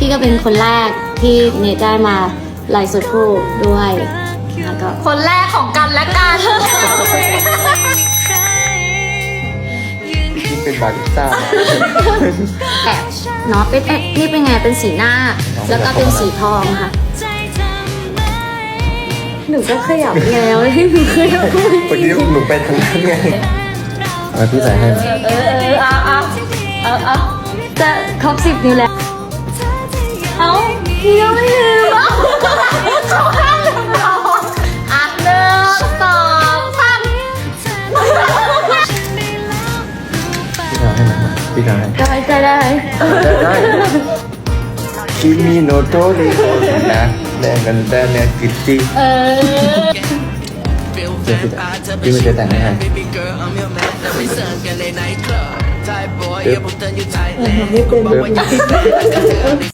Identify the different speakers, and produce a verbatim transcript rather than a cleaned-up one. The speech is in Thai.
Speaker 1: พี่ก็เป็นคนแรกที่เนทได้มาไลฟ์สดคู่ด้วยแล้วก็
Speaker 2: คนแรกของกันและกัน
Speaker 3: นี่เป็นบาริสต้า
Speaker 1: แอบเนาะเป็นเอ๊ะนี่เป็นไงเป็นสีหน้า แล้วก็เป็นสีทองค่ะหนูก็ขยับแล้วที่หนูขยับ
Speaker 3: วันนี้หนูไปทางนั้นไงเอาพี่ใส่ให้
Speaker 2: เออเออเอาเอาเอาเอา
Speaker 1: จะครบสิบนิ้วแล้วเอาพี่ยังไม่ลืม
Speaker 2: เขาห้ามเราอ่ะหนึ่งสองสาม
Speaker 3: พี่ทำให้หน่อยพี่ทำให้
Speaker 1: ได้ได้ได้
Speaker 3: ได้ได้คิมิโนโตะริโกนะแดงกันแดงเนี่ยกิตติ
Speaker 2: เออ
Speaker 3: เดี๋ยวพี่จะพี่มันจะแต่งให้ปึ๊บปึ๊บ